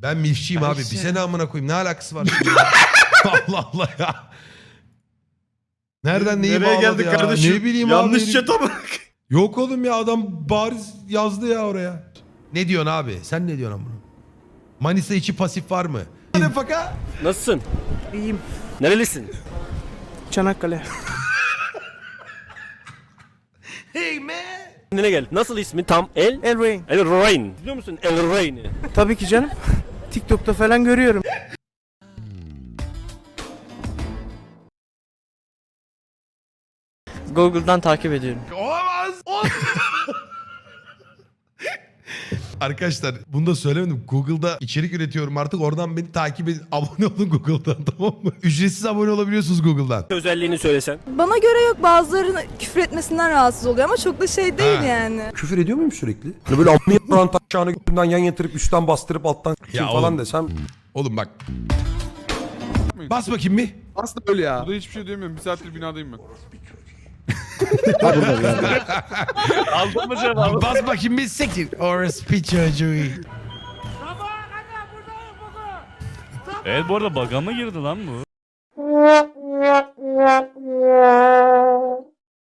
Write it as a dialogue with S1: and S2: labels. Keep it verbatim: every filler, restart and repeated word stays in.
S1: Ben milfçiyim abi.
S2: Ayşe.
S1: Bize ne amına koyayım? Ne alakası var şimdi? Allah Allah ya. Nereden neyi
S3: Nereye
S1: bağladı
S3: geldik
S1: ya?
S3: kardeşim?
S1: Ne bileyim
S3: Yanlış
S1: abi.
S3: chat'a bak.
S1: Yok oğlum ya, adam bariz yazdı ya oraya. Ne diyorsun abi? Sen ne diyorsun bunu? Manisa içi pasif var mı? Ne faka?
S4: Nasılsın?
S2: İyiyim.
S4: Nerelisin?
S2: Çanakkale.
S1: Hey man.
S4: Kendine gel. Nasıl ismi tam? El?
S2: El Rain.
S4: El Rain. Biliyor musun El Rain'i?
S2: Tabii ki canım. TikTok'ta falan görüyorum.
S5: Google'dan takip ediyorum.
S1: Olamaz. Olamaz. Arkadaşlar bunu da söylemedim. Google'da içerik üretiyorum artık. Oradan beni takip edin. Abone olun Google'dan, tamam mı? Ücretsiz abone olabiliyorsunuz Google'dan.
S4: Özelliğini söylesen.
S6: Bana göre yok, bazılarının küfür etmesinden rahatsız oluyor ama çok da şey değil
S1: Ha.
S6: yani.
S7: Küfür ediyor muyum sürekli? Hani böyle amına yapan taşağını götünden yan yatırıp üstten bastırıp alttan
S1: Ya
S7: falan
S1: oğlum.
S7: desem.
S1: Oğlum bak. Bas bakayım bir.
S8: Aslında öyle ya. Burada hiçbir şey diyemiyorum. Bir saattir binadayım ben.
S4: Aldın mı cevabı?
S1: Bas bakayım bir siktir. Orospu çocuğu.
S9: Evet, bu arada bug'a mı girdi lan bu?